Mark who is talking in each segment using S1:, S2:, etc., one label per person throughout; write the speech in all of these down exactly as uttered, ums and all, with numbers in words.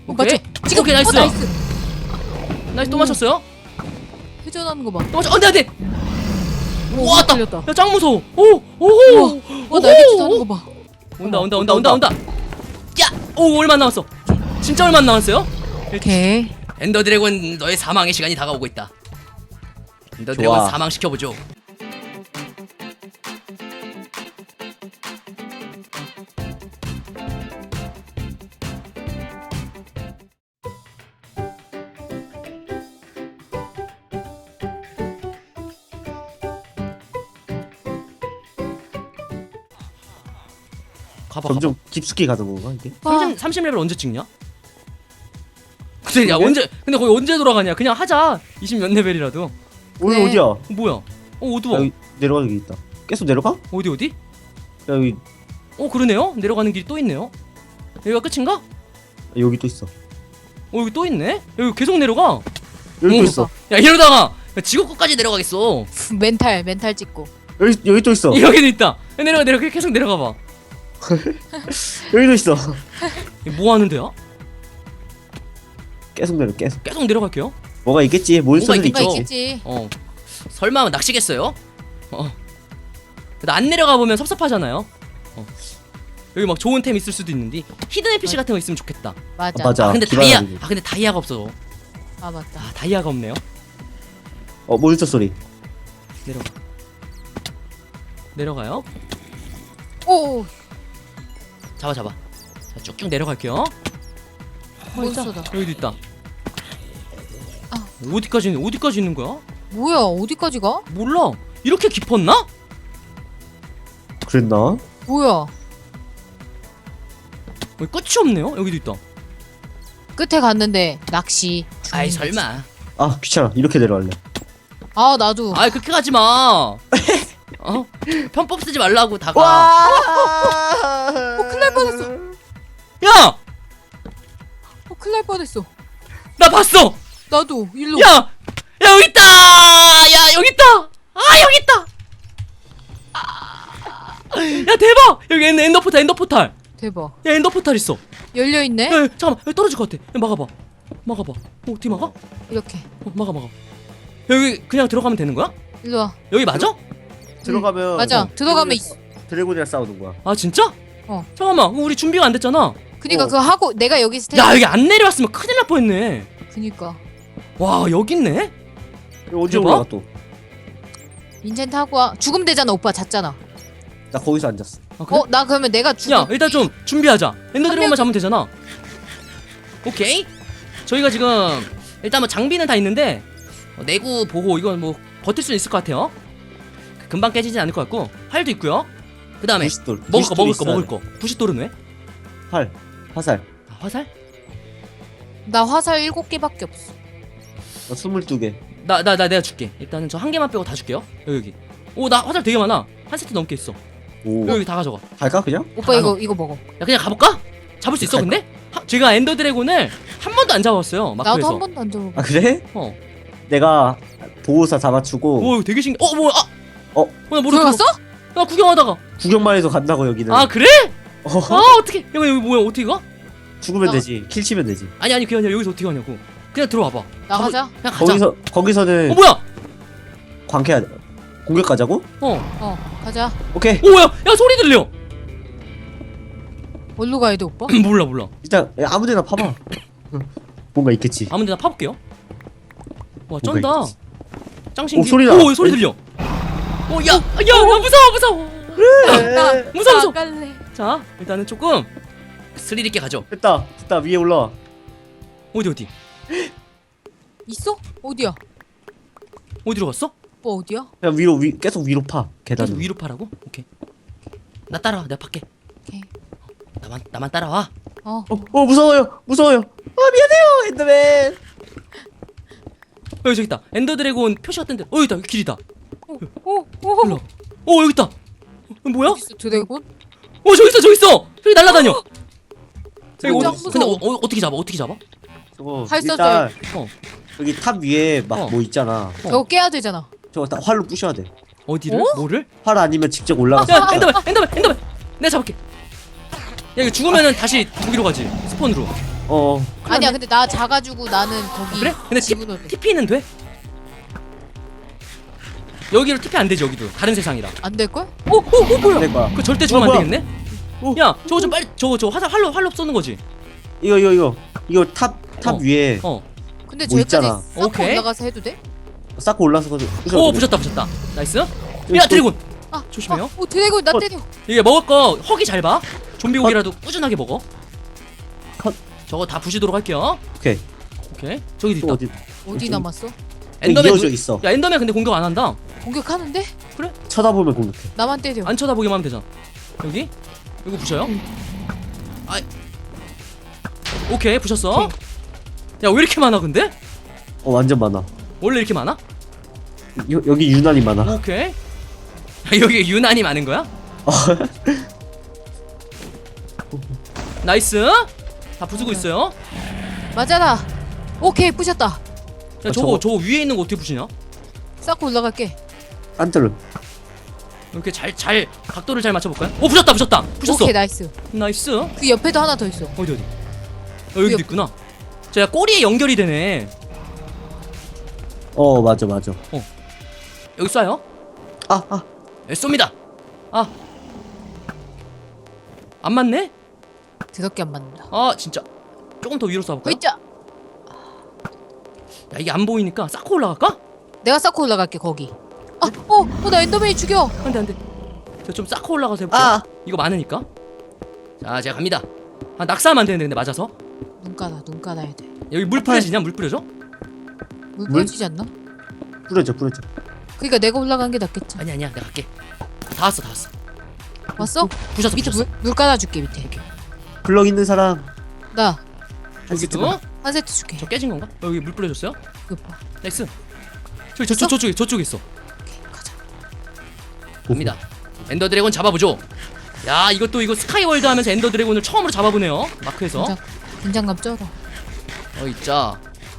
S1: 오케이.
S2: 맞죠? 지금
S1: 오케이, 나이스.
S2: 어, 나이스.
S1: 나이스 또
S2: 오.
S1: 맞췄어요?
S2: 회전하는 거 봐.
S1: 또 맞췄. 안돼 안돼.
S2: 오,
S1: 왔다.
S2: 걸렸다.
S1: 야 짱 무서워. 오 오호.
S2: 와, 날개짓 하는 거 봐.
S1: 온다
S2: 어머,
S1: 온다 온다 온다 온다. 야, 오 얼마 안 남았어. 진짜 얼마 안 남았어요?
S2: 오케이.
S1: 엔더 드래곤 너의 사망의 시간이 다가오고 있다. 엔더 드래곤
S3: 좋아.
S1: 사망 시켜보죠. 가봐.
S3: 점점 깊숙이 가는 건가 이게?
S2: 와,
S1: 삼십, 삼십 레벨 언제 찍냐? 근데 야
S3: 그래?
S1: 언제 근데 거기 언제 돌아가냐? 그냥 하자. 이십 몇 레벨이라도.
S3: 오늘
S2: 네.
S3: 어디야?
S1: 어, 뭐야? 어 어두워.
S3: 여기 내려가는 게 있다. 계속 내려가?
S1: 어디 어디?
S3: 야, 여기
S1: 어 그러네요. 내려가는 길이 또 있네요. 여기가 끝인가?
S3: 여기 또 있어.
S1: 어 여기 또 있네. 여기 계속 내려가.
S3: 여기
S1: 오.
S3: 또 있어.
S1: 야 이러다가 지구 끝까지 내려가겠어.
S2: 멘탈 멘탈 찍고.
S3: 여기 여기 또 있어.
S1: 여기도 있다. 야, 내려가 내려가 계속 내려가 봐.
S3: 여기도 있어.
S1: 이거 뭐 하는 데야?
S3: 계속 내려 계속.
S1: 계속 내려갈게요.
S3: 뭐가 있겠지. 몬스터는
S1: 있겠죠.
S2: 뭔가
S3: 있겠지.
S2: 있겠지.
S1: 어 설마 낚시겠어요? 어. 근데 안 내려가 보면 섭섭하잖아요. 어. 여기 막 좋은 템 있을 수도 있는데 히든 에피씨 같은 거 있으면 좋겠다.
S2: 맞아.
S3: 아, 맞아.
S1: 아 근데
S3: 기반이
S1: 다이아
S3: 아니고.
S1: 아 근데 다이아가 없어.
S2: 아 맞다.
S1: 아 다이아가 없네요.
S3: 어 몬스터 소리.
S1: 내려가. 내려가요.
S2: 오,
S1: 잡아 잡아. 자 쭉쭉 내려갈게요. 어,
S2: 몬스터다.
S1: 있다. 여기도 있다.
S2: 아.
S1: 어디까지 있는 어디까지 있는 거야?
S2: 뭐야? 어디까지 가?
S1: 몰라. 이렇게 깊었나?
S3: 그랬나?
S2: 뭐야?
S1: 왜 끝이 없네요. 여기도 있다.
S2: 끝에 갔는데 낚시.
S1: 아이
S2: 중인 거지.
S1: 설마.
S3: 아 귀찮아. 이렇게 내려갈래.
S2: 아 나도.
S1: 아이 그렇게 가지 마. 어? 편법 쓰지 말라고 다가.
S3: 와!
S2: 어, 큰일 날 뻔했어.
S1: 야!
S2: 어, 큰일 날 뻔했어.
S1: 나 봤어.
S2: 나도 일로.
S1: 야! 야 여기 있다. 야 여기 있다. 아 여기 있다. 아, 야 대박. 여기 엔- 엔더 포탈 엔더 포탈.
S2: 대박.
S1: 야 엔더 포탈 있어.
S2: 열려 있네.
S1: 야, 야 잠깐만. 여기 떨어질 것 같아. 야, 막아봐. 막아봐. 어, 어떻게 막아? 어,
S2: 이렇게.
S1: 막아 막아. 여기 그냥 들어가면 되는 거야?
S2: 일로 와.
S1: 여기 맞아?
S3: 들어가면
S2: 맞아.
S3: 어,
S2: 들어가면
S3: 드래곤이랑- 드래곤이랑 싸우는 거야.
S1: 아 진짜?
S2: 어.
S1: 잠깐만. 그럼 우리 준비가 안 됐잖아.
S2: 그니까
S3: 어.
S2: 그거 하고 내가 여기 스테.
S1: 야 여기 안 내려왔으면 큰일 날 뻔했네.
S2: 그니까.
S1: 와 여기 있네.
S3: 이거 언제
S1: 대박?
S3: 올라가 또?
S2: 인챈트 하고 와. 죽음 되잖아. 오빠 잤잖아.
S3: 나 거기서 앉았어.
S1: 아, 그래?
S2: 어, 나 그러면 내가 죽음.
S1: 야 일단 좀 준비하자. 엔더 드래곤만
S2: 명-
S1: 잡으면 되잖아. 오케이. 저희가 지금 일단 뭐 장비는 다 있는데 어, 내구 보호 이건 뭐 버틸 수 있을 것 같아요. 금방 깨지진 않을 것 같고 활도 있고요. 그 다음에
S3: 부싯돌.
S1: 먹을 거
S3: 부싯돌이
S1: 먹을 거
S3: 있어야
S1: 먹을
S3: 돼.
S1: 거. 부싯돌은 왜?
S3: 활. 화살.
S1: 아, 화살?
S2: 나 화살 일곱 개밖에 없어.
S3: 나 스물두 개.
S1: 나 나 나 내가 줄게. 일단은 저 한 개만 빼고 다 줄게요. 여기 여기. 오 나 화살 되게 많아. 한 세트 넘게 있어.
S3: 오.
S1: 여기 다 가져가.
S3: 갈까 그냥?
S2: 오빠
S1: 다
S2: 이거
S1: 넣어.
S2: 이거 먹어.
S1: 야 그냥 가볼까? 잡을 수 있어 근데? 하, 제가 엔더 드래곤을 한 번도 안 잡았어요.
S2: 나도
S1: 마크에서.
S2: 한 번도 안 잡아.
S3: 아 그래?
S1: 어.
S3: 내가 보호사 잡아주고
S1: 오 되게 신기. 어 뭐야? 아.
S3: 어?
S1: 어, 나 모르
S2: 들어갔어?
S1: 나 구경하다가.
S3: 구경만 해도 간다고 여기는.
S1: 아 그래?
S3: 어,
S1: 아 어떻게? 여기 여기 뭐야? 어떻게 가?
S3: 죽으면
S2: 어.
S3: 되지. 킬 치면 되지.
S1: 아니 아니 그게 아니라 여기서 어떻게 가냐고. 그냥 들어와봐.
S2: 나가자.
S1: 그냥 가자.
S3: 거기서 거기서는
S1: 어 뭐야?
S3: 광캐야 돼. 공격 가자고?
S1: 어.
S2: 어, 가자.
S3: 오케이.
S1: 오야 야 소리 들려.
S2: 어디로 가야 돼, 오빠?
S1: 몰라 몰라.
S3: 일단 야, 아무데나 파봐. 뭔가 있겠지.
S1: 아무데나 파볼게요. 와
S3: 뭔가
S1: 쩐다.
S3: 있겠지.
S1: 짱 신기.
S3: 오, 소리 나.
S1: 오 소리 들려. 오야야 야, 무서워 무서워.
S2: 나
S1: 무서워, 무서워.
S2: 나갈래.
S1: 자 일단은 조금 스릴 있게 가죠.
S3: 됐다. 됐다. 위에 올라와.
S1: 어디 어디
S2: 있어? 어디야?
S1: 어디로 갔어?
S2: 오빠 어디야?
S3: 그냥 위로 위 계속 위로 파. 계단.
S1: 계속 위로 파라고? 오케이. 나 따라와. 내가 팔게.
S2: 오케이.
S1: 나만 나만 따라와.
S2: 어.
S3: 어, 어 무서워요. 무서워요. 아 미안해요. 엔더맨.
S1: 어, 여기 저기 있다. 엔더 드래곤 표시 같은 데. 어 여기 있다. 여기 길이다.
S2: 오, 오.
S1: 일로. 어 여기 있다. 어, 뭐야?
S2: 어디 있어, 드래곤?
S1: 어 저기 있어 저기 있어. 저기 날아다녀. 저기
S2: 진짜
S1: 어디, 근데 어,
S2: 무서워.
S1: 어, 어떻게 잡아? 어떻게 잡아?
S3: 저거
S2: 활
S3: 일단
S1: 어
S3: 여기 탑 위에 막
S1: 어.
S3: 뭐 있잖아.
S2: 저거 깨야 되잖아.
S3: 저거 다 활로 부셔야 돼.
S1: 어디를?
S2: 어?
S1: 뭐를?
S3: 활 아니면 직접 올라가서.
S1: 야 엔더맨 엔더맨 엔더맨. 내가 잡을게. 야 이거 죽으면은 다시 거기로 가지. 스폰으로.
S3: 어.
S2: 아니야 근데 나 작아지고 나는 거기
S1: 그래? 근데 티,
S2: 집으로 돼.
S1: 티피는 돼? 여기로 티피 안 되지 여기도 다른 세상이라.
S2: 안 될걸?
S1: 오, 오, 오 뭐야?
S3: 될 거야.
S1: 그 절대 죽으면
S3: 뭐야,
S1: 안 되겠네.
S3: 오.
S1: 야, 저거 좀 빨리 저거 저 화살 활로 활로 쏘는 거지.
S3: 이거 이거 이거 이거 탑 탑
S1: 어.
S3: 위에
S1: 어.
S2: 근데
S3: 뭐
S2: 저기까지
S3: 있잖아.
S2: 쌓고
S1: 오케이.
S2: 올라가서 해도 돼?
S3: 쌓고 올라서 가지고.
S1: 오, 부셨다 부셨다. 나이스. 야,
S3: 또-
S1: 드래곤.
S2: 아
S1: 조심해요.
S2: 아, 오 드래곤 나
S3: 어.
S2: 때려.
S1: 이게 먹을 거 허기 잘 봐. 좀비 고기라도 꾸준하게 먹어.
S3: 컷.
S1: 저거 다 부시도록 할게요.
S3: 오케이.
S1: 오케이. 저기도
S3: 또
S1: 있다.
S3: 어디
S2: 어디
S3: 좀-
S2: 남았어?
S1: 엔더맨
S3: 이어져
S1: 누-
S3: 있어.
S1: 야, 엔더맨 근데 공격 안 한다.
S2: 공격하는데?
S3: 쳐다보면 공격해.
S2: 나만 때려.
S1: 안 쳐다보기만 하면 되잖아. 여기? 이거 부셔요? 아. 오케이, 부셨어. 야, 왜 이렇게 많아 근데?
S3: 어 완전 많아.
S1: 원래 이렇게 많아?
S3: 여, 여기 유난히 많아.
S1: 오케이. 여기 유난히 많은 거야? 나이스. 다 부수고 있어요.
S2: 맞아라. 오케이 부셨다.
S1: 야,
S3: 아,
S1: 저거
S3: 저거-
S1: 저거 위에 있는 거 어떻게 부시냐?
S2: 쌓고 올라갈게.
S3: 안틀름.
S1: 이렇게 잘 잘 각도를 잘 맞춰 볼까요? 오, 부셨다 부셨다. 부셨어.
S2: 오케이 나이스.
S1: 나이스.
S2: 그 옆에도 하나 더 있어.
S1: 어디 어디? 어, 여기도
S2: 옆-
S1: 있구나. 자, 꼬리에 연결이 되네.
S3: 어 맞아 맞아.
S1: 여기 쏴요.
S3: 아 아.
S1: 네, 쏩니다. 아. 안 맞네?
S2: 드럽게 안 맞는다.
S1: 아, 진짜. 조금 더 위로 쏴볼까요?
S2: 으이짜.
S1: 야, 이게 안 보이니까 쌓고 올라갈까?
S2: 내가 쌓고 올라갈게 거기. 아, 어, 어, 나 엔더맨이 죽여.
S1: 안돼 안돼. 저 좀 쌓고 올라가서 해볼게요.
S3: 아.
S1: 이거 많으니까. 자, 제가 갑니다. 아, 낙사하면 안 되는데 근데 맞아서.
S2: 눈 깔아, 눈 깔아야 돼.
S1: 여기 물 뿌려지냐? 물 뿌려줘?
S2: 물
S3: 물?
S2: 뿌려지지 않나?
S3: 뿌려져 뿌려져.
S2: 그러니까 내가 올라간 게 낫겠지.
S1: 아니 아니야, 내가 갈게. 다 왔어, 다 왔어.
S2: 왔어?
S1: 부셨어,
S2: 밑에
S1: 부셨어.
S2: 물, 물 깔아줄게 밑에.
S3: 블럭 있는 사람
S2: 나
S3: 한 세트.
S1: 여기도.
S2: 한 세트 줄게.
S1: 저 깨진 건가? 어, 여기 물 뿌려줬어요?
S2: 이거 봐.
S1: 나이스. 저기 저, 저, 저쪽에 저쪽에 있어.
S2: 오케이, 가자.
S1: 갑니다. 엔더 드래곤 잡아보죠. 야, 이것도 이거 스카이월드 하면서 엔더 드래곤을 처음으로 잡아보네요. 마크에서.
S2: 긴장, 긴장감 쩔어.
S1: 어, 있자.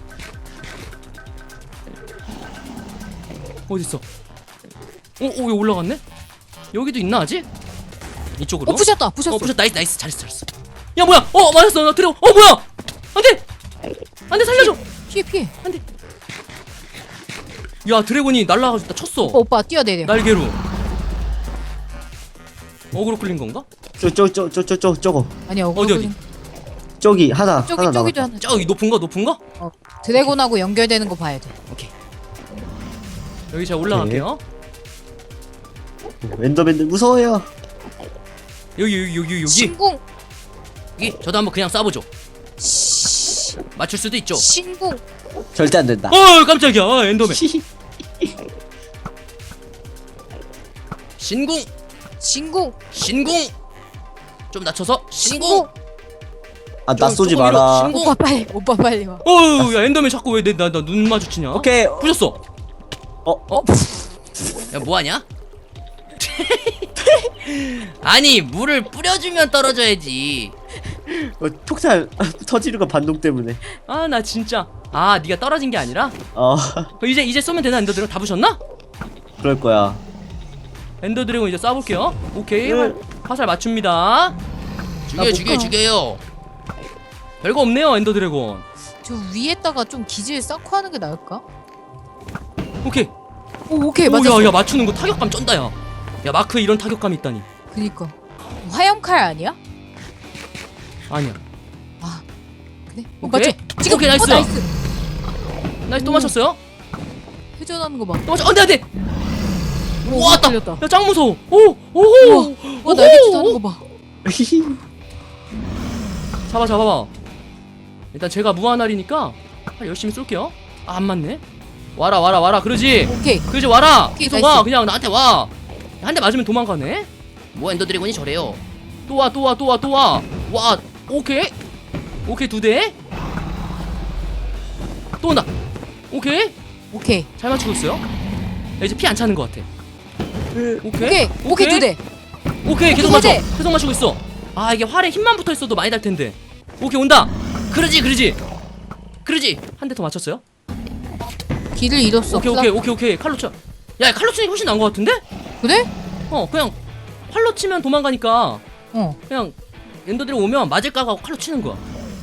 S1: 어디 있어? 오, 오, 여기 올라갔네? 여기도 있나 아직? 이쪽으로.
S2: 어, 부셨다, 부셨어.
S1: 어, 부셨. 나이스, 나이스, 잘했어, 잘했어. 야, 뭐야? 어, 맞았어, 나 드래곤. 어, 뭐야? 안돼, 안돼, 살려줘.
S2: 피해, 피해.
S1: 안돼. 야, 드래곤이 날라가지고 나 쳤어.
S2: 오빠, 오빠 뛰어내려.
S1: 날개로. 어그로 끌린 건가?
S3: 저저 저 저 저 저 저거
S2: 아니야,
S1: 어디, 어디?
S3: 저기 하나
S2: 저기
S3: 하나
S2: 저기도
S3: 남았다.
S2: 하나.
S1: 저기 높은 거, 높은 거?
S2: 어, 드래곤하고 연결되는 거 봐야 돼.
S1: 오케이. 여기 제가 올라갈게요.
S3: 엔더맨들 무서워요.
S1: 여기, 여기, 여기, 여기.
S2: 신궁.
S1: 여기. 저도 한번 그냥 쏴보죠.
S2: 시-
S1: 맞출 수도 있죠.
S2: 신궁.
S3: 절대 안 된다.
S1: 어, 깜짝이야. 아, 엔더맨. 신궁,
S2: 신궁.
S1: 신궁. 좀 낮춰서 신궁.
S2: 신궁.
S3: 아 나
S1: 좀
S3: 쏘지
S1: 조금 위로
S3: 마라.
S1: 신고.
S2: 오빠 빨리, 오빠 빨리 와.
S1: 어우, 야, 엔더맨 자꾸 왜 내 나 나 눈 마주치냐?
S3: 오케이.
S1: 부셨어.
S3: 어
S1: 어? 야, 뭐하냐? 아니, 물을 뿌려주면 떨어져야지.
S3: 어, 폭탄 터지는 거 반동 때문에.
S1: 아, 나 진짜. 아, 네가 떨어진 게 아니라?
S3: 어
S1: 어, 이제 이제 쏘면 되나? 엔더 드래곤 다 부셨나?
S3: 그럴 거야.
S1: 엔더 드래곤 이제 쏴볼게요. 오케이.
S3: 응.
S1: 활, 화살 맞춥니다. 죽여,
S2: 못
S1: 죽여,
S2: 가.
S1: 죽여요. 별거 없네요, 엔더 드래곤.
S2: 저 위에다가 좀 기질 쌓고 하는 게 나을까?
S1: 오케이.
S2: 오, 오케이
S1: 오,
S2: 맞았어.
S1: 야, 야, 맞추는 거 타격감 쩐다, 야. 야, 마크에 이런 타격감이 있다니.
S2: 그니까 화염칼 아니야?
S1: 아니야.
S2: 아 그래? 어,
S1: 오케이.
S2: 맞죠? 지금
S1: 오케이, 나이스.
S2: 어, 나이스.
S1: 나이스, 또
S2: 오.
S1: 맞췄어요?
S2: 회전하는 거 봐.
S1: 또 맞췄. 안 돼, 안 돼.
S2: 오,
S1: 왔다.
S2: 걸렸다.
S1: 야, 짱 무서워. 오, 오,
S2: 우와,
S1: 오,
S2: 와 날개짓 하는 거 봐.
S1: 잡아, 잡아봐. 일단 제가 무한알이니까 열심히 쏠게요. 아, 안 맞네. 와라, 와라, 와라. 그러지.
S2: 오케이.
S1: 그러지, 와라.
S2: 오케이,
S1: 계속
S2: 나이스.
S1: 와. 그냥 나한테 와. 한 대 맞으면 도망가네. 뭐 엔더 드래곤이 저래요. 또 와, 또 와, 또 와, 또 와. 와, 오케이. 오케이, 두 대. 또 온다. 오케이.
S2: 오케이.
S1: 잘 맞추고 있어요. 야, 이제 피 안 차는 것 같아. 오케이.
S2: 오케이. 오케이 두 대.
S1: 오케이, 계속
S2: 두
S1: 맞춰.
S2: 대.
S1: 계속 맞추고 있어. 아, 이게 활에 힘만 붙어 있어도 많이 달 텐데. 오케이, 온다. 그러지, 그러지. 그러지. 한 대 더 맞췄어요.
S2: 길을 잃었어.
S1: 오케이, 오케이, 오케이, 오케이. 칼로 쳐. 야, 칼로 치는 게 훨씬 나은 것 같은데?
S2: 그래?
S1: 어, 그냥 활로 치면 도망가니까
S2: 어.
S1: 그냥 엔더들이 오면 맞을까 하고 칼로 치는 거야.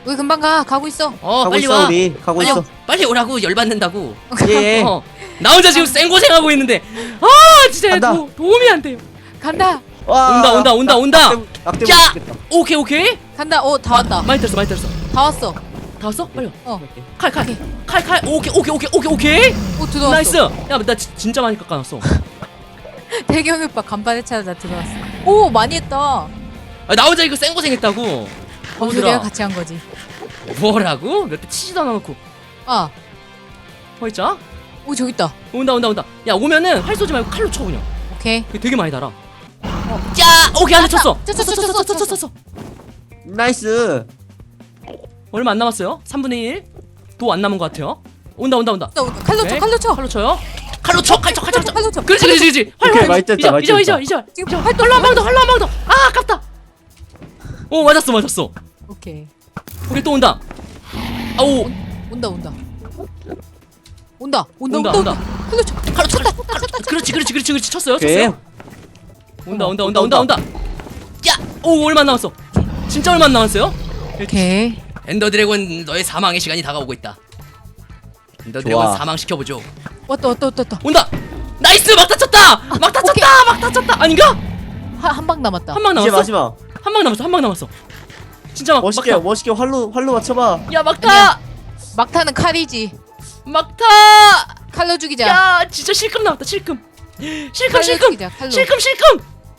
S2: 우리 금방 가. 가고 있어.
S1: 어
S3: 가고
S1: 빨리
S3: 있어
S1: 와.
S3: 우리. 가고
S1: 빨리,
S3: 있어.
S1: 빨리 오라고 열받는다고.
S3: 예.
S1: 어. 나 혼자 지금 생고생하고 있는데 아 진짜
S3: 간다.
S1: 도, 도움이 안 돼요.
S2: 간다.
S3: 와.
S1: 온다, 온다, 온다, 온다.
S3: 낙 때문에
S1: 자!
S3: 죽겠다.
S1: 오케이 오케이.
S2: 간다. 어, 다 왔다.
S1: 많이 들었어 많이 들었어.
S2: 다 왔어.
S1: 다 왔어? 빨리 와.
S2: 어.
S1: 칼 칼.
S2: 오케이.
S1: 칼 칼. 오케이 오케이 오케이 오케이 오케이.
S2: 오, 들어왔어.
S1: 나이스. 야 나 진짜 많이 깎아놨어.
S2: 태경이 오빠 간판에 찾아 들어왔어. 오, 많이 했다.
S1: 아, 나 혼자 이거 생고생했다고.
S2: 범수리가 같이 한 거지.
S1: 뭐라고? 몇 대 치지도 않아놓고.
S2: 아,
S1: 허이자.
S2: 오, 저기 있다.
S1: 온다 온다 온다. 야 오면은 활 쏘지 말고 칼로 쳐 그냥.
S2: 오케이.
S1: 이거 되게 많이 달아. 어. 짜. 오케이 하나 쳤어.
S2: 쳤어, 쳤어, 쳤어, 쳤어,
S1: 쳤어.
S3: 나이스.
S1: 얼마 안 남았어요. 삼분의 일. 도 안 남은 것 같아요. 온다 온다 온다.
S2: 나 칼로 쳐,
S1: 오케이.
S2: 칼로 쳐.
S1: 칼로 쳐요. 칼로 쳐. 칼 쳐. 칼 쳐. 칼 쳐.
S2: 칼로 쳐.
S1: 그렇지 그렇지 그렇지. 활
S3: 오케이,
S1: 활.
S3: 많이 뗐다,
S1: 이절
S3: 많이
S1: 이절
S3: 뗐다.
S1: 이절 이절.
S2: 지금
S1: 이절.
S2: 활
S1: 할로 한 방 더. 할로 한 방 더. 아 아깝다. 오 맞았어 맞았어.
S2: 오케이.
S1: 오케이 또 온다. 아오.
S2: 온다, 온다. 온다, 온다,
S1: 온다,
S2: 온다,
S1: 온다.
S2: 온다. 칼로 쳐.
S1: 칼로 쳐. 칼로 쳐. 그렇지 그렇지 그렇지 그렇지 쳤어요
S3: 오케이.
S1: 쳤어요. 온다 온다 온다
S3: 온다,
S1: 온다 온다. 야. 오 얼마 안 남았어. 진짜 얼마 안 남았어요?
S2: 오케이.
S1: 엔더 드래곤 너의 사망의 시간이 다가오고 있다. 엔더
S3: 좋아.
S1: 드래곤 사망 시켜보죠.
S2: 왔다, 왔다, 왔다, 왔다.
S1: 온다. 나이스 막 다쳤다. 막 다쳤다. 막 다쳤다. 아닌가?
S2: 한 방 남았다.
S1: 한 방
S3: 이제
S1: 남았어.
S3: 마지막.
S1: 한 방 남았어. 한 방 남았어. 진짜 막
S3: 멋있게
S1: 막타.
S3: 멋있게 활로 활로 맞춰봐.
S1: 야 막타.
S2: 막타는 칼이지.
S1: 막타.
S2: 칼로 죽이자.
S1: 야 진짜 실금 나왔다. 실금. 실금
S2: 칼로
S1: 실금.
S2: 죽이자, 칼로.
S1: 실금 실금.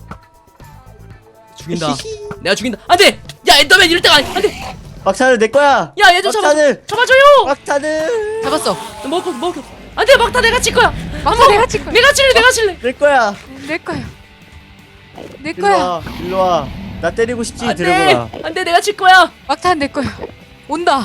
S1: 죽인다. 내가 죽인다. 안돼. 야 엔더맨 이럴 때가 아니. 안돼.
S3: 막타는 내 거야.
S1: 야 얘 좀 잡아.
S3: 막타는
S1: 잡아줘요.
S3: 막타는
S2: 잡았어.
S1: 먹어 먹어. 안돼 막타 내가 칠 거야.
S2: 막타 내가 칠 거야.
S1: 내가 칠래 내가 칠래.
S3: 내 거야.
S2: 내 거야. 내
S3: 일로
S2: 거야.
S3: 와. 일로 와. 나 때리고 싶지
S1: 안돼.
S3: 드래곤아.
S1: 안돼 내가 칠 거야.
S2: 막타는 내 거야. 온다.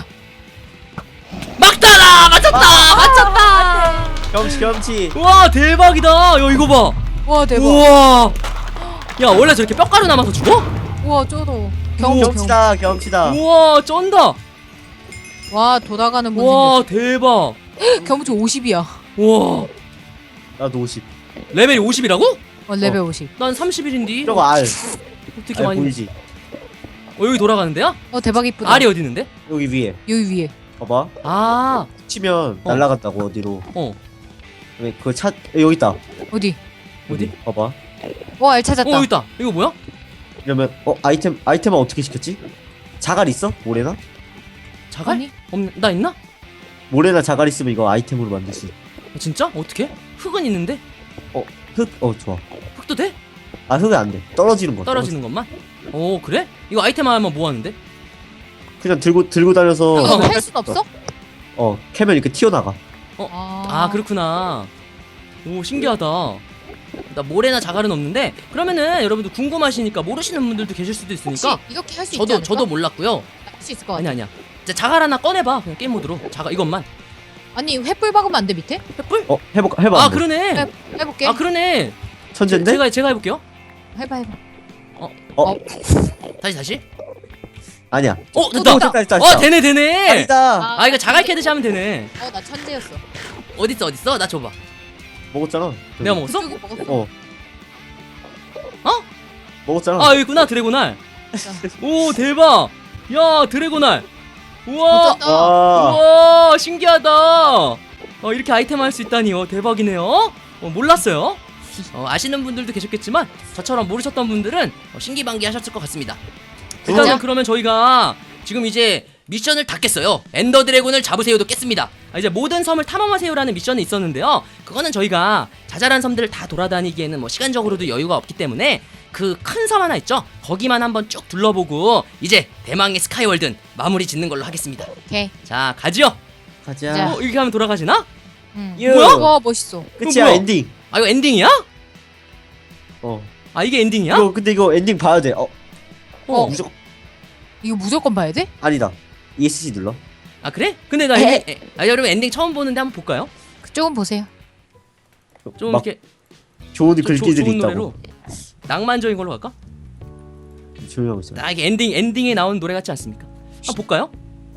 S1: 막타다 맞췄다 맞췄다.
S3: 경치 경치.
S1: 와 대박이다. 야 이거 봐.
S2: 와, 대박.
S1: 우와. 야 원래 저렇게 뼈가루 남아서 죽어?
S2: 우와, 쩔어.
S1: 우와.
S2: 경치, 경치.
S3: 경치다 경치다.
S1: 우와 쩐다.
S2: 와, 돌아가는 분
S1: 와 대박.
S2: 생겼어. 경치 오십이야.
S1: 우와
S3: 나도 오십.
S1: 레벨이 오십이라고?
S2: 어, 레벨 오십.
S1: 난 삼십일인데
S3: 저거 알.
S1: 어떻게
S3: 알
S1: 많이
S3: 보이지?
S1: 어 여기 돌아가는데요?
S2: 어, 대박 이쁘다.
S1: 알이 어디 있는데?
S3: 여기 위에.
S2: 여기 위에.
S3: 봐봐.
S1: 아
S3: 치면
S1: 어.
S3: 날라갔다고 어디로.
S1: 어.
S3: 왜 그 차 여기 있다.
S2: 어디?
S1: 어디?
S3: 봐봐.
S2: 어, 알 찾았다.
S1: 어 여기 있다. 이거 뭐야?
S3: 이러면 어 아이템 아이템은 어떻게 시켰지? 자갈 있어? 모래나?
S1: 자갈?
S2: 아니?
S1: 없나? 나 있나?
S3: 모래나 자갈 있으면 이거 아이템으로 만들 수 있어.
S1: 아, 진짜? 어떻게? 흙은 있는데?
S3: 흙? 어 좋아.
S1: 흙도 돼?
S3: 아 흙은 안 돼. 떨어지는 거.
S1: 떨어지는 것만? 오 그래? 이거 아이템 하면 뭐 하는데?
S3: 그냥 들고 들고 다녀서
S2: 이거
S1: 어.
S2: 할 순 없어?
S3: 어 캐면 이렇게 튀어나가.
S2: 아,
S1: 아 그렇구나. 오 신기하다. 나 모래나 자갈은 없는데 그러면은 여러분들 궁금하시니까 모르시는 분들도 계실 수도
S2: 혹시
S1: 있으니까
S2: 이렇게 할 수 있지
S1: 저도
S2: 않을까?
S1: 저도 몰랐고요.
S2: 할수 있을 것 같아.
S1: 아니 아니야. 이제 자갈 하나 꺼내봐. 그냥 게임 모드로 자갈 이것만.
S2: 아니, 횃불 박으면 안 돼, 밑에?
S1: 횃불?
S3: 어 해볼까 해봐.
S1: 아
S3: 한번.
S1: 그러네.
S2: 해, 해볼게.
S1: 아 그러네.
S3: 천재인데?
S1: 제가 제가 해볼게요.
S2: 해봐, 해봐.
S3: 어
S1: 다시 다시.
S3: 아니야.
S1: 어
S2: 또
S1: 됐다.
S2: 됐다.
S3: 됐다 됐다.
S1: 어 되네 되네.
S3: 아니다.
S1: 아 이거 자갈 캐듯이 하면 되네.
S2: 어, 나 천재였어.
S1: 어딨어 어딨어? 나 줘봐.
S3: 먹었잖아.
S1: 내가 먹었어?
S2: 그쪽이 먹었어.
S3: 어.
S1: 어?
S3: 먹었잖아.
S1: 아 여기 있구나 드래곤알. 오 대박. 야 드래곤알. 우와.
S2: 어쩐다.
S3: 와.
S1: 우와 신기하다. 어 이렇게 아이템 할 수 있다니 어 대박이네요. 어 몰랐어요. 어, 아시는 분들도 계셨겠지만 저처럼 모르셨던 분들은 어, 신기반기하셨을 것 같습니다. 일단은
S2: 진짜?
S1: 그러면 저희가 지금 이제 미션을 다 깼어요. 엔더 드래곤을 잡으세요도 깼습니다. 아, 이제 모든 섬을 탐험하세요라는 미션이 있었는데요. 그거는 저희가 자잘한 섬들을 다 돌아다니기에는 뭐 시간적으로도 여유가 없기 때문에 그 큰 섬 하나 있죠. 거기만 한번 쭉 둘러보고 이제 대망의 스카이월드 마무리 짓는 걸로 하겠습니다.
S2: 오케이.
S1: 자 가지요.
S3: 가자.
S2: 자.
S1: 어 이렇게 하면 돌아가시나?
S2: 응.
S3: 유.
S1: 뭐야?
S2: 와, 멋있어.
S3: 끝이야
S1: 뭐야?
S3: 엔딩.
S1: 아 이거 엔딩이야?
S3: 어.
S1: 아 이게 엔딩이야?
S3: 이거 근데 이거 엔딩 봐야 돼. 어.
S1: 어.
S3: 무조건
S2: 이거 무조건 봐야 돼?
S3: 아니다. 이에스씨 눌러.
S1: 아 그래? 근데 나
S2: 에.
S1: 엔딩 에, 아 여러분 엔딩 처음 보는데 한번 볼까요?
S2: 그쪽은 보세요.
S1: 좀
S3: 막
S1: 이렇게
S3: 좋은
S1: 조- 조-
S3: 글귀들이
S1: 좋은
S3: 있다고.
S1: 노래로 낭만적인 걸로 갈까?
S3: 조용히 하고 있어.
S1: 나 이게 엔딩 엔딩에 나온 노래 같지 않습니까? 한번 볼까요?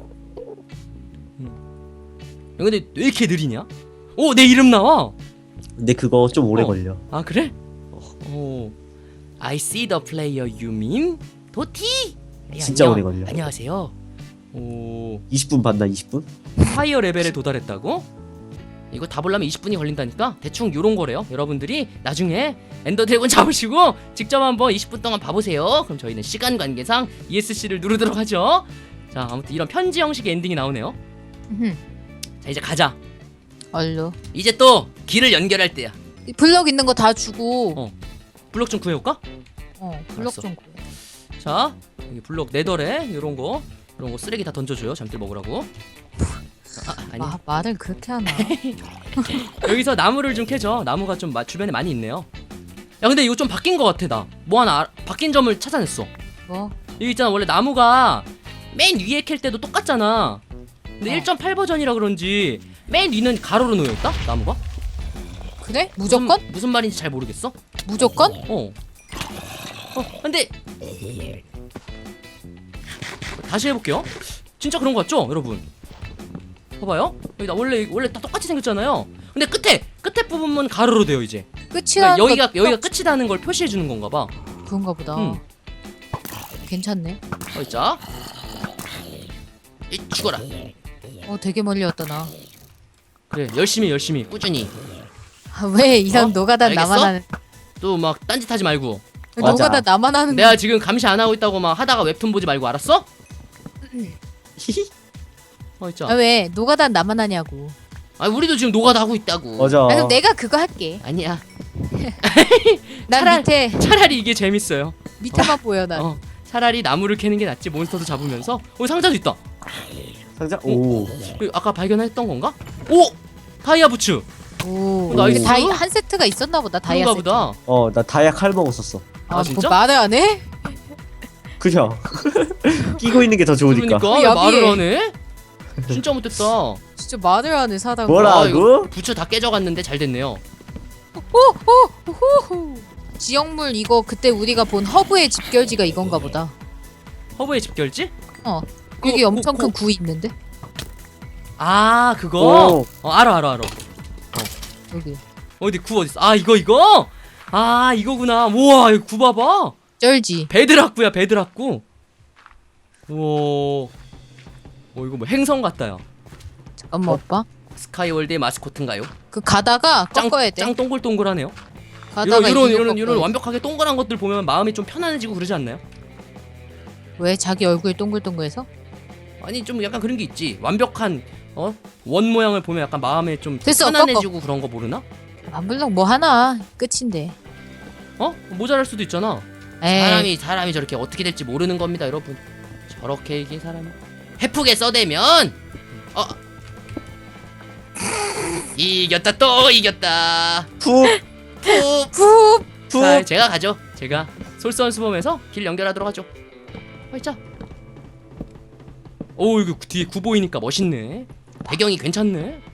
S1: 음. 야, 근데 왜 이렇게 느리냐? 오 내 이름 나와.
S3: 근데 그거 좀 오래
S1: 어.
S3: 걸려.
S1: 아 그래? 오 I see the player you mean 도티. 예,
S3: 진짜
S1: 안녕.
S3: 오래 걸려.
S1: 안녕하세요. 오,
S3: 이십 분 봤나 이십 분?
S1: 파이어 레벨에 도달했다고? 이거 다 보려면 이십 분이 걸린다니까? 대충 요런 거래요. 여러분들이 나중에 엔더 드래곤 잡으시고 직접 한번 이십 분 동안 봐보세요. 그럼 저희는 시간 관계상 이에스씨를 누르도록 하죠. 자, 아무튼 이런 편지 형식의 엔딩이 나오네요.
S2: 음흠.
S1: 자, 이제 가자.
S2: 얼로.
S1: 이제 또 길을 연결할 때야.
S2: 이 블럭 있는 거 다 주고.
S1: 어. 블럭 좀 구해올까?
S2: 어, 블럭
S1: 알았어.
S2: 좀 구해.
S1: 자, 여기 블럭 네더래 요런 거 요런 거 쓰레기 다 던져줘요. 잠들 먹으라고. 아, 아니.
S2: 마, 말을 그렇게 하나?
S1: 여기서 나무를 좀 캐죠. 나무가 좀 마, 주변에 많이 있네요. 야, 근데 이거 좀 바뀐 것 같아. 나 뭐 하나 알- 바뀐 점을 찾아냈어.
S2: 뭐?
S1: 여기 있잖아. 원래 나무가 맨 위에 캘 때도 똑같잖아. 근데
S2: 어.
S1: 일 점 팔 버전이라 그런지 맨 위는 가로로 놓여있다? 나무가?
S2: 그래? 무조건?
S1: 무슨, 무슨 말인지 잘 모르겠어.
S2: 무조건?
S1: 어. 어, 근데 다시 해볼게요. 진짜 그런 거 같죠, 여러분? 봐봐요. 여기 나 원래 원래 다 똑같이 생겼잖아요. 근데 끝에 끝에 부분만 가로로 돼요 이제.
S2: 끝이야.
S1: 그러니까 여기가 여기가 끝이라는 걸 표시해 주는 건가 봐.
S2: 그런가 보다.
S1: 음.
S2: 괜찮네.
S1: 어, 자, 이 죽어라.
S2: 어, 되게 멀리 왔다 나.
S1: 그래, 열심히 열심히 꾸준히.
S2: 아, 왜 이런
S1: 어?
S2: 노가다
S1: 알겠어?
S2: 나만 하는?
S1: 또 막 딴짓하지 말고.
S3: 맞아.
S2: 노가다 나만 하는
S1: 내가 지금 감시 안 하고 있다고 막 하다가 웹툰 보지 말고 알았어? 어,
S2: 아,
S1: 있자.
S2: 왜 노가다 나만 하냐고.
S1: 아, 우리도 지금 노가다 하고 있다고.
S3: 맞아.
S2: 아, 그럼 내가 그거 할게.
S1: 아니야.
S2: 난
S1: 차라리-
S2: 밑에
S1: 차라리 이게 재밌어요.
S2: 밑에만 보여 난.
S1: 어, 차라리 나무를 캐는 게 낫지. 몬스터도 잡으면서. 어, 상자도 있다.
S3: 상자? 오.
S1: 이거 아까 발견했던 건가? 오! 다이아 부츠.
S2: 오,
S1: 나이스.
S2: 이게 다이 한 세트가 있었나 보다. 다이아
S1: 그런가
S2: 세트.
S1: 보다.
S3: 어, 나 다이아 칼 먹었었어.
S1: 아,
S2: 뭐
S1: 진짜?
S2: 말을 안 해?
S3: 그냥 끼고 있는 게 더 좋으니까.
S1: 그러니까
S2: 어,
S1: 말을
S2: 야비해.
S1: 하네. 진짜 못됐다.
S2: 진짜 말을 안 해 사다가.
S3: 뭐라?
S1: 아, 이거
S3: 뭐라고?
S1: 부츠 다 깨져갔는데 잘 됐네요.
S2: 호호. 지역물 이거 그때 우리가 본 허브의 집결지가 이건가 보다.
S1: 허브의 집결지?
S2: 어.
S1: 그,
S2: 여기
S1: 그,
S2: 엄청
S1: 그,
S2: 큰 구 있는데.
S1: 아, 그거?
S3: 오.
S1: 어, 알아 알아 알아.
S2: 여기.
S1: 어디 구 어디 있어? 아, 이거 이거? 아, 이거구나. 우와, 이거 구 봐봐.
S2: 쩔지.
S1: 베드락구야, 베드락구. 우와. 어, 이거 뭐 행성 같다요.
S2: 잠깐만
S3: 어?
S2: 오빠.
S1: 스카이월드의 마스코트인가요?
S2: 그 가다가
S1: 짱,
S2: 꺾어야 돼.
S1: 짱 동글동글하네요.
S2: 가다가
S1: 이런 이런
S2: 이거
S1: 이런 이런
S2: 꺾어야
S1: 완벽하게 동그란 것들 보면 마음이 좀 편안해지고 그러지 않나요?
S2: 돼. 왜 자기 얼굴 동글동글해서?
S1: 아니, 좀 약간 그런 게 있지. 완벽한 어? 원 모양을 보면 약간 마음에 좀
S2: 됐어,
S1: 편안해지고 그런 거 모르나?
S2: 반블럭 뭐 하나 끝인데.
S1: 어? 모자랄 수도 있잖아.
S2: 에이.
S1: 사람이 사람이 저렇게 어떻게 될지 모르는 겁니다, 여러분. 저렇게 이게 사람이 해프게 써대면 어 이겼다 또 이겼다.
S3: 푹,
S1: 푹.
S2: 푸.
S3: 푹.
S1: 자, 제가 가죠. 제가 솔선수범해서 길 연결하도록 하죠. 화이자. 오, 이거 뒤에 구 보이니까 멋있네. 배경이 괜찮네.